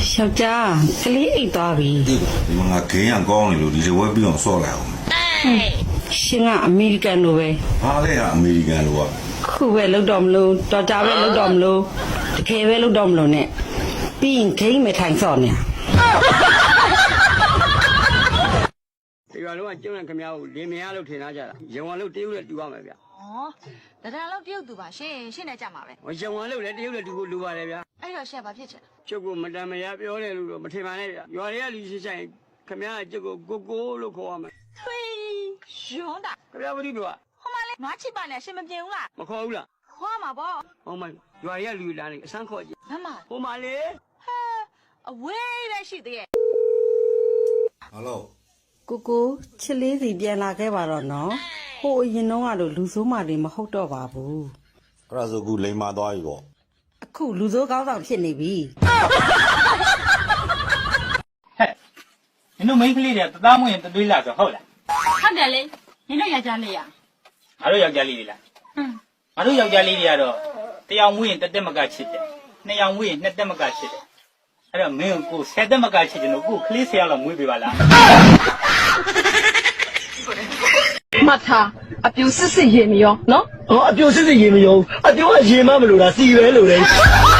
ယောက်ျားကလေးအိတ်သွားပြီဒီမှာငါခင်းရကောင်းနေလို့ဒီလိုဝက်ပြီးအောင်ဆော့လိုက်အောင်ရှင်ကအမေရိကန်လိုပဲဘာလဲဟာအမေရိကန်လိုကခုပဲလောက်တော့မလို့တော်ကြပဲလောက်တော့မလို့တကယ်ပဲလောက်တော့မလို့ ਨੇ ပြီးရင်ခိမ့်မထိုင်စော့နေဒီရွာလုံးကကျုံနဲ့ခမရကိုလင်းမရလို့ထင်ထားကြတာရဝံလို့တရုတ်နဲ့တူရမယ်ဗျဩတရံလောက်တရုတ်သူပါရှင်ရှင်းနေကြမှာပဲဟိုရဝံလို့လည်းတရုတ်နဲ့တူဖို့လိုပါတယ်ဗျာအဲ့တော့ရှက်ဘာဖြစ်ချင်ကျုပ်ကမတန်မရပြောတယ်လို့တော့မထင်ပါနဲ့ဗျာရွာတွေကလူရှိဆိုင်ခမရကျုပ်ကိုကိုကိုလို့ခေါ်ရမယ်ထွေးရွန်းတာခမရဘာလို့ပြောဟိုမလေးနွားချစ်ပါနဲ့ရှင်မပြေဘူးလားမခေါ်ဘူးလားခေါ်မှာပေါ့ဟောမရွာတွေကလူလာနေအစမ်းခေါ်ကြည့်မမဟိုမလေးဟဲအဝေးပဲရှိသေးရဲ့ဟယ်လိုကိုချစ်လေးစီပြန်လာခဲ့ပါတော့နော်ဟိုအရင်တော့ကတော့လူဆိုးမာတွေမဟုတ်တော့ပါဘူးအဲ့ဒါဆိုခုလိန်မာသွားပြီပေါ့အခုလူဆိုးကောင်းဆောင်ဖြစ်နေပြီဟဲ့နင်တို့မိန်းကလေးတွေကတသားမွေးရင်တသွေးလာဆိုဟုတ်လားဟုတ်တယ်လေနင်တို့ယောက်ျားလေးရငါတို့ယောက်ျားလေးတွေလားငါတို့ယောက်ျားလေးတွေကတော့တယောက်မွေးရင်တစ်တက်မကချစ်တယ်နှစ်ယောက်မွေးရင်နှစ်တက်မကချစ်တယ်အဲ့တော့မင်းကိုဆယ်တက်မကချစ်တယ်လို့ကိုကလေးဆယ်ယောက်လောက်မွေးပေးပါလားမှတ်ထားအပြူစစ်စစ်ရေမရောနော်哦，表示是也没有，啊，对我也嘛没有啦，是原路嘞。